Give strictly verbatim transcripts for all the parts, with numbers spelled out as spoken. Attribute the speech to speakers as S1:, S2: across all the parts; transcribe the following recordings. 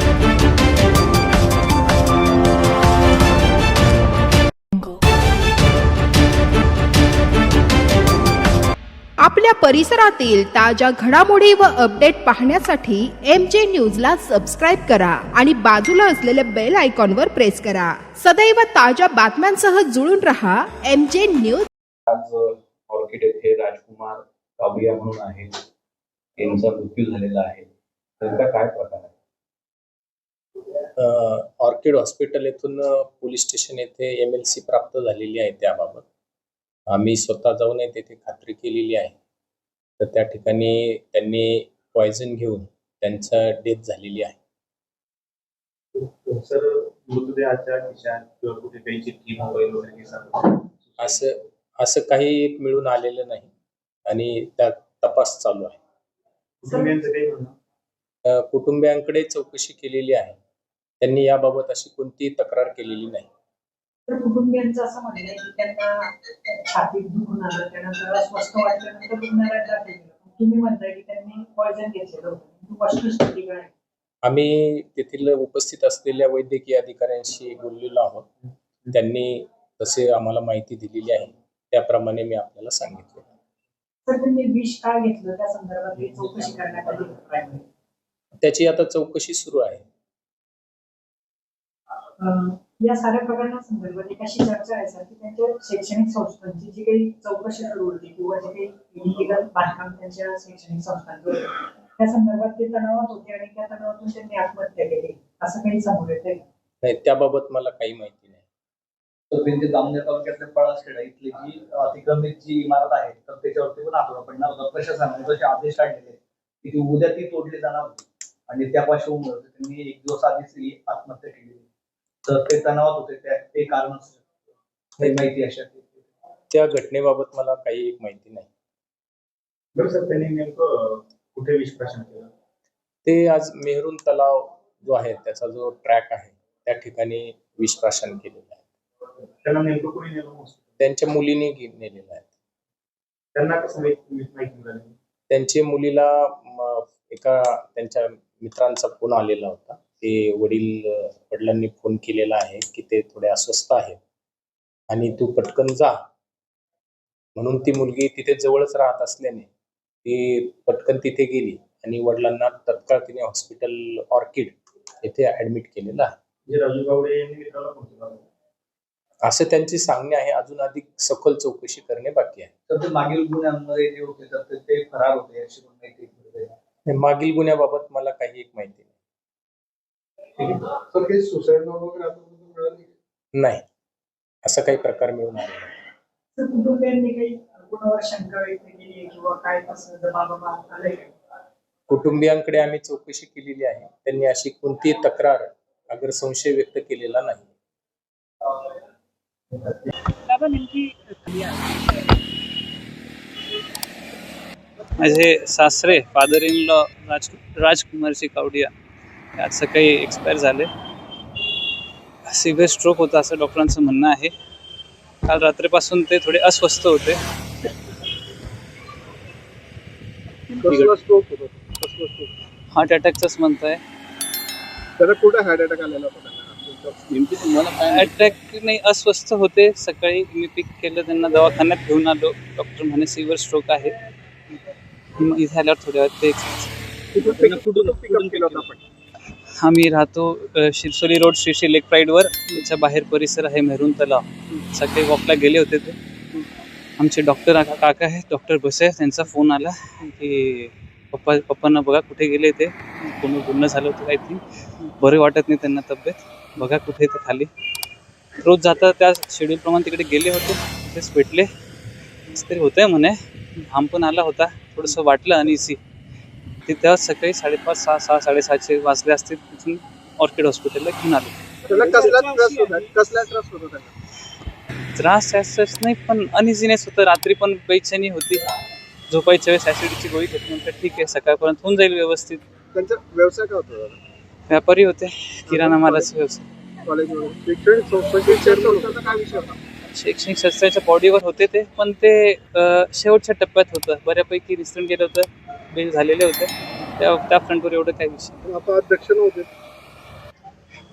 S1: आपल्या परिसरातील ताज्या घडामोडी व अपडेट पाहण्यासाठी एम जे न्यूजला सबस्क्राईब करा आणि बाजूला असलेल्या बेल आयकॉनवर प्रेस करा. सदैव ताज्या बातम्यांसह जुळून रहा एम जे न्यूज.
S2: आज ऑर्किड येथे राजकुमार कावडिया म्हणून आहे, त्यांचा मृत्यू झालेला आहे. त्यांचा काय प्रकार आहे?
S3: ऑर्किड हॉस्पिटल येथून पोलीस स्टेशन येथे एम एल सी प्राप्त झालेली आहे. त्याबाबत आम्ही स्वतः जाऊन तेथे खात्री केलेली आहे. तर त्या ठिकाणी त्यांनी पॉयझन घेऊन त्यांचा डेथ झालेली आहे.
S2: सर, मृतदेहाच्या खिशात किंवा कुठे काही चिठ्ठी, मोबाईल वगैरे
S3: असं असं काही एक मिळून आलेलं नाही आणि त्या तपास चालू आहे.
S2: कुटुंबियांचं काही म्हणणं?
S3: कुटुंबियांकडे चौकशी केलेली आहे. त्यांनी याबाबत अशी कोणतीही तक्रार केलेली नाही.
S4: तर कुटुंबियांचं असं म्हणणं आहे की त्यांना छातीत दुखून आलं, त्यानंतर स्वस्त वाटल्यानंतर रुग्णालयात दाखल केलं. तुम्ही म्हणताय की त्यांनी पॉयझन घेतलेलं होतं. वस्तुस्थिती काय?
S3: आम्ही तेथील उपस्थित असलेल्या वैद्यकीय अधिकाऱ्यांशी बोललेलो आहोत. त्यांनी तसे आम्हाला माहिती दिलेली आहे, त्याप्रमाणे मी आपल्याला सांगितले.
S4: तर त्यांनी विष का घेतलं त्या संदर्भात चौकशी करण्यात आली.
S3: त्याची आता चौकशी सुरू आहे.
S4: या साऱ्या प्रकरणासंदर्भात एक अशी चर्चा आहे सर की त्यांच्या शैक्षणिक संस्थांची जी काही चौकशी सुरू होती किंवा जे काही इलिगल बांधकाम त्यांच्या शैक्षणिक संस्थांवर त्या संदर्भात ते तणावात होते आणि त्या तणावातून त्यांनी आत्महत्या केली, असं काही समोर येत
S3: नाही. त्याबाबत मला काही माहिती नाही.
S5: तर त्यांचे जामनेर तालुक्यातल्या पळासखेडा इथली जी अतिक्रमित जी इमारत आहे तर त्याच्यावरती पण आठवडा पडणार होता. प्रशासनाने तसे आदेश काढलेले की ती उद्या ती तोडली जाणार होती आणि त्या पार्श्वभूमीवर त्यांनी एक दिवस आधीच आत्महत्या केली. तर ते तणावात होते, ते कारण माहिती अशा
S3: त्या घटनेबाबत मला काही एक माहिती नाही.
S2: बरं सर, त्यांनी नेमकं कुठे विषप्राशन केलं?
S3: ते आज मेहरून तलाव जो आहे त्याचा जो ट्रॅक आहे त्या ठिकाणी विषप्राशन केलेलं आहे.
S2: त्यांना नेमकं कोणी नेलं?
S3: त्यांच्या मुलीने नेलेलं आहे.
S2: त्यांना कसं माहिती मिळाली?
S3: त्यांच्या मुलीला एका त्यांच्या मित्रांचा फोन आलेला होता. ते वडील वडिलांनी फोन केलेला आहे की ते थोडे अस्वस्थ आहेत आणि तू पटकन जा म्हणून. ती मुलगी तिथे जवळच राहत असल्याने ती पटकन तिथे गेली आणि वडिलांना तत्काळ तिने हॉस्पिटल ऑर्किड येथे ऍडमिट केलेलं आहे.
S2: राजू गावडे यांनी मित्राला फोन केला
S3: असं त्यांची सांगणे आहे. अजून अधिक सखोल चौकशी करणे बाकी आहे.
S5: तर ते मागील गुन्ह्यांमध्ये जे होते तर ते फरार होते अशी माहिती.
S3: मागील गुन्ह्याबाबत मला काही एक माहिती नाही. नाही, असं काही प्रकार मिळून आले नाही.
S4: कुटुंबियांनी काही कुणावर शंका व्यक्त केली किंवा काय कसं जबाब आलंय?
S3: कुटुंबियांकडे आम्ही चौकशी केलेली आहे. त्यांनी अशी कोणतीही तक्रार अगर संशय व्यक्त केलेला नाही.
S6: माझे सासरे father in law Raj Rajkumarji Kawadiya आज सकाळी एक्सपायर झाले. सिव्हिअर स्ट्रोक होता असं डॉक्टरांचं म्हणणं आहे. काल रात्रीपासून ते थोडे अस्वस्थ होते. हार्ट अटॅकच म्हणताय. अटॅक नाही, अस्वस्थ होते. सकाळी मी पिक केलं, त्यांना दवाखान्यात घेऊन आलो. डॉक्टर म्हणे सिव्हिअर स्ट्रोक आहे. इथे आल्यावर थोड्या वेळ ते आम्ही राहतो शिरसोली रोड श्री श्री लेक प्राईडवर. त्याच्या बाहेर परिसर आहे मेहरून तलाव. सकाळी वॉकला गेले होते ते. आमचे डॉक्टर काका आहेत, डॉक्टर बसे, त्यांचा फोन आला की पप्पा पप्पांना बघा कुठे गेले ते. कोणी बोलणं झालं होतं आय थिंक. बरे वाटत नाही त्यांना तब्येत. बघा कुठे ते खाली. रोज जाता त्या शेड्यूलप्रमाणे तिकडे गेले होते. तिथेच भेटले तरी होतंय म्हणे. घाम पण आला होता, थोडंसं वाटलं आणि सी ते तेव्हा सकाळी साडेपाच सहा सहा साडेसहाशे वाजले असतील. तिथून ऑर्किड हॉस्पिटलला घेऊन आलो. त्रास असंच नाही, पण अनइझीनेस होतं. रात्री पण बेचैनी होती. झोपायच्या वेळेस ऍसिडची गोळी घेतली. नंतर ठीक आहे, सकाळपर्यंत होऊन जाईल व्यवस्थित.
S7: त्यांचा व्यवसाय काय होता?
S6: व्यापारी होते, किराणा मालाचा व्यवसाय. शैक्षणिक संस्थेच्या बॉडीवर होते ते, पण ते शेवटच्या टप्प्यात होतं. बऱ्यापैकी निसटून गेलं होतं, बिल झालेले होते. त्या त्या फ्रंटवर एवढं काही विषय.
S7: आता अध्यक्ष नव्हते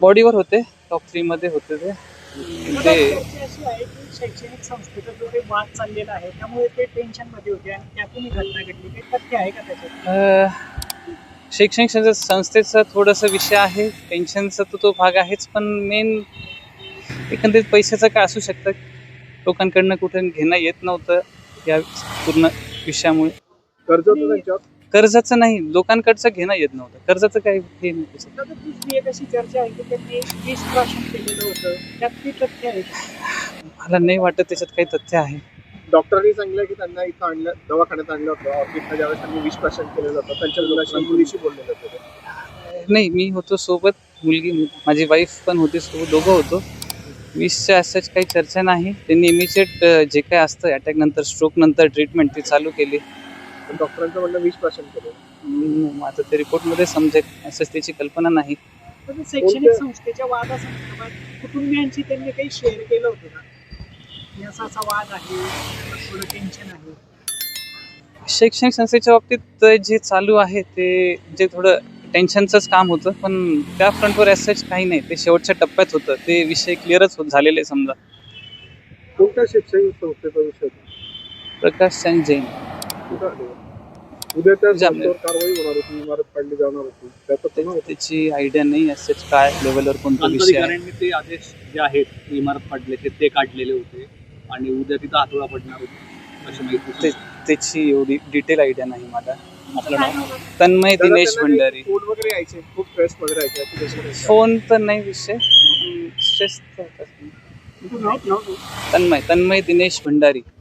S6: बॉडीवर होते, टॉप थ्री मध्ये होते ते
S4: मला
S6: ते
S4: चर्चा अशी आहे की शैक्षणिक संस्थेचा जो काही वाद चाललेला आहे त्यामुळे ते टेन्शन मध्ये होते आणि त्यातून ही घटना घडली. काही तथ्य आहे का त्याच्यात?
S6: अ, शैक्षणिक संस्थे- संस्थेचा थोडासा विषय आहे, टेन्शनचा तर तो भाग आहेच, पण मेन एकंदरीत पैशाचं काय असू शकतं. लोकांकडनं कुठे घेणं येत नव्हतं या पूर्ण विषयामुळे.
S7: कर्ज होतं त्यांच्यावर.
S6: कर्जाचं नाही, लोकांकडचं घेणं येत नव्हतं. कर्जाचं काही हे नाही त्याच्यात.
S4: आता दुसरी एक अशी चर्चा आहे की त्यांनी विष प्राशन केलेलं होतं, त्यात ती तथ्य आहे का?
S6: मला नाही वाटत त्याच्यात काही तथ्य आहे.
S7: डॉक्टरांनी सांगितलं की त्यांना इथं आणलं, दवाखान्यात आणलं होतं. ऑर्किडला ज्यावेळेस त्यांनी विष प्राशन केलं जातं त्यांच्या मुलाशी मुलीशी बोललेलं होतं ते.
S6: नाही, मी होतो सोबत, मुलगी माझी वाईफ पण होती सोबत, दोघं होतो. वीसच्या असंच काही चर्चा नाही. त्यांनी इमिजिएट जे काय असतं अटॅक नंतर, स्ट्रोक नंतर ट्रीटमेंट ती चालू केली.
S7: पण डॉक्टरांचं म्हणणं विष प्राशन केलं.
S6: हम्म, आता ते रिपोर्टमध्ये समजेल, असंच त्याची कल्पना नाही.
S4: तर ते शैक्षणिक संस्थेच्या वादासंदर्भात कुटुंबियांशी त्यांनी काही शेअर केलं होतं का? की असा असा वाद आहे, थोडं टेन्शन आहे.
S6: शैक्षणिक संस्थेच्या बाबतीत जे चालू आहे ते जे थोडं टेन्शनचंच काम होतं, पण त्या फ्रंटवर असंच काही नाही. ते शेवटच्या टप्प्यात होतं, ते विषय क्लिअरच होत झालेले समजा.
S7: कोणत्या शैक्षणिक संस्थेचा विषय होता?
S6: प्रकाश चंद जैन.
S7: कुठं आले? उद्या त्या
S6: जामनेर.
S7: संस्थेवर कारवाई होणार होती, इमारत पाडली जाणार होती. त्याचं
S6: ते-
S7: पुन्हा
S6: त्याची आयडिया नाही असंच काय लेवलवर कोणता विषय आहे.
S5: प्रांताधिकाऱ्यांनी ते आदेश जे आहेत ते इमारत पाडल्याचे ते काढलेले होते आणि उद्या तिथं हातोडा पडणार होती अशी माहिती
S6: ते- त्याची एवढी डिटेल आयडिया नाही मला.
S5: आपलं
S4: काय
S5: नाव
S4: होतं?
S6: तन्मय
S7: त्याला
S6: दिनेश
S7: त्यांना
S6: भंडारी.
S7: काही फोन वगैरे यायचे, खूप स्ट्रेस वगैरे यायचे. याची कशी काय?
S6: फोन तर नाही विषय, स्ट्रेस
S4: तू नाव- नाव-
S6: तन्मय तन्मय दिनेश भंडारी.